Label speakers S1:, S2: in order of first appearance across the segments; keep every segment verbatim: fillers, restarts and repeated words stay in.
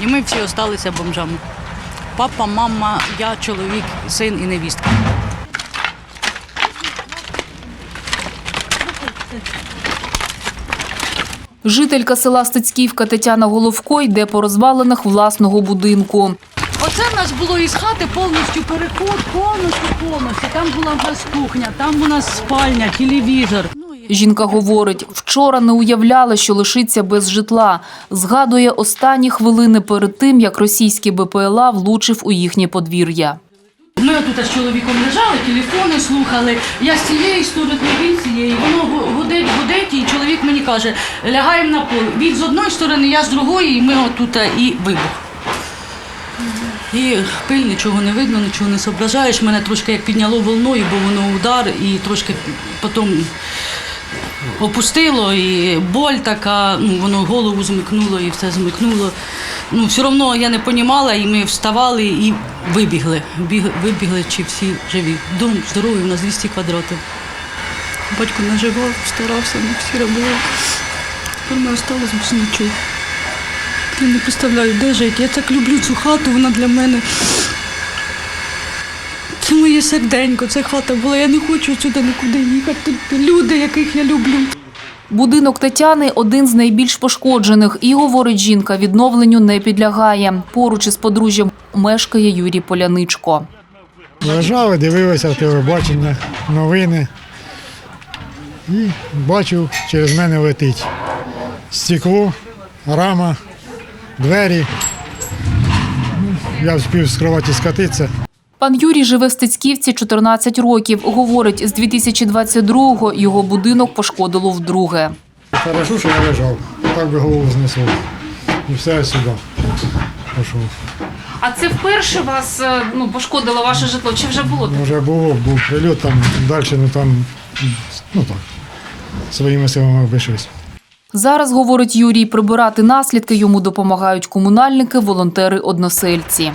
S1: І ми всі залишилися бомжами. Папа, мама, я, чоловік, син і невістка.
S2: Жителька села Стецьківка Тетяна Головко йде по розвалинах власного будинку.
S1: Оце в нас було із хати повністю переход, повністю, повністю. Там була в нас кухня, там у нас спальня, телевізор.
S2: Жінка говорить, вчора не уявляла, що лишиться без житла. Згадує останні хвилини перед тим, як російський Бе Пе Еле А влучив у їхнє подвір'я.
S1: Ми тут з чоловіком лежали, телефони слухали. Я з цієї сторони, він з цієї. Воно гудить, гудить, і чоловік мені каже, лягаємо на пол. Він з одної сторони, я з другої, і ми отут і вибух. І пиль, нічого не видно, нічого не зображаєш. Мене трошки як підняло волною, бо воно удар, і трошки потім опустило, і боль така, ну, воно голову змикнуло і все змикнуло. Ну, все одно я не розуміла, і ми вставали і вибігли. Біг, вибігли, чи всі живі. Дом здоровий, у нас двісті квадратів. Батько наживав, старався, ми всі робили. Тепер ми залишилися без нічого. Я не представляю, де жити. Я так люблю цю хату, вона для мене. Це моє серденько, це хата була. Я не хочу сюди нікуди їхати. Тут люди, яких я люблю.
S2: Будинок Тетяни – один з найбільш пошкоджених. І, говорить жінка, відновленню не підлягає. Поруч із подружжям мешкає Юрій Поляничко.
S3: Лежали, дивилися телебачення, новини. І бачу, через мене летить стекло, рама, двері. Я встиг з кроваті скотитися.
S2: Пан Юрій живе в Стецьківці чотирнадцять років. Говорить, з дві тисячі двадцять другого його будинок пошкодило вдруге.
S3: Хорошо, що я лежав, так би голову знесло. І все сюди пішов.
S2: А це вперше вас ну, пошкодило ваше житло? Чи вже було?
S3: Вже було, був прильот, там далі, ну там, ну так, своїми силами обійшлися.
S2: Зараз, говорить Юрій, прибирати наслідки йому допомагають комунальники, волонтери, односельці.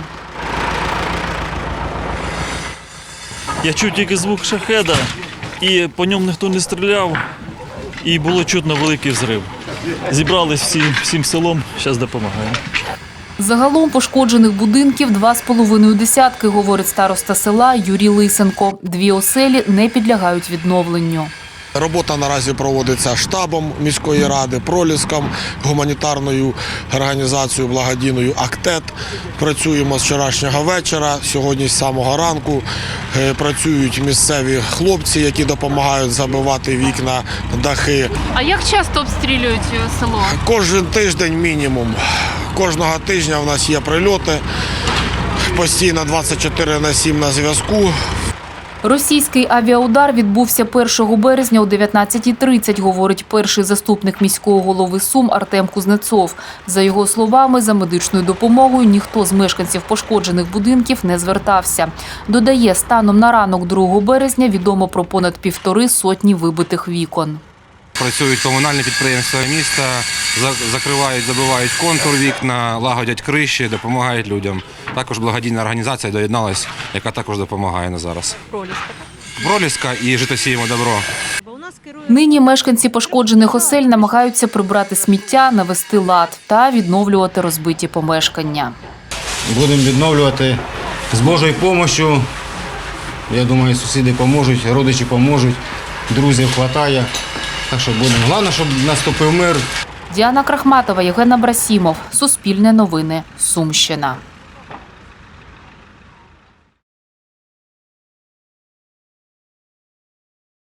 S4: Я чув тільки звук шахеда, і по ньому ніхто не стріляв, і було чутно великий взрив. Зібрались всі, всім селом, зараз допомагаємо.
S2: Загалом пошкоджених будинків два з половиною десятки, говорить староста села Юрій Лисенко. Дві оселі не підлягають відновленню.
S5: Робота наразі проводиться штабом міської ради, Проліском, гуманітарною організацією благодійною «Актет». Працюємо з вчорашнього вечора, сьогодні з самого ранку. Працюють місцеві хлопці, які допомагають забивати вікна, дахи.
S2: А як часто обстрілюють село?
S5: Кожен тиждень мінімум. Кожного тижня в нас є прильоти. Постійно двадцять чотири на сім на зв'язку.
S2: Російський авіаудар відбувся першого березня о дев'ятнадцятій тридцять, говорить перший заступник міського голови Сум Артем Кузнецов. За його словами, за медичною допомогою ніхто з мешканців пошкоджених будинків не звертався. Додає, станом на ранок другого березня відомо про понад півтори сотні вибитих вікон.
S6: Працюють комунальні підприємства міста, закривають, забивають контур вікна, лагодять криші, допомагають людям. Також благодійна організація доєдналась, яка також допомагає на зараз. Проліска. Проліска і «Житосіємо добро».
S2: Нині мешканці пошкоджених осель намагаються прибрати сміття, навести лад та відновлювати розбиті помешкання.
S7: Будемо відновлювати з Божою допомогою. Я думаю, сусіди допоможуть, родичі допоможуть, друзів вистачає. Так що будемо. Головне, щоб наступив мир.
S2: Діана Крахматова, Євген Абрасімов. Суспільне новини. Сумщина.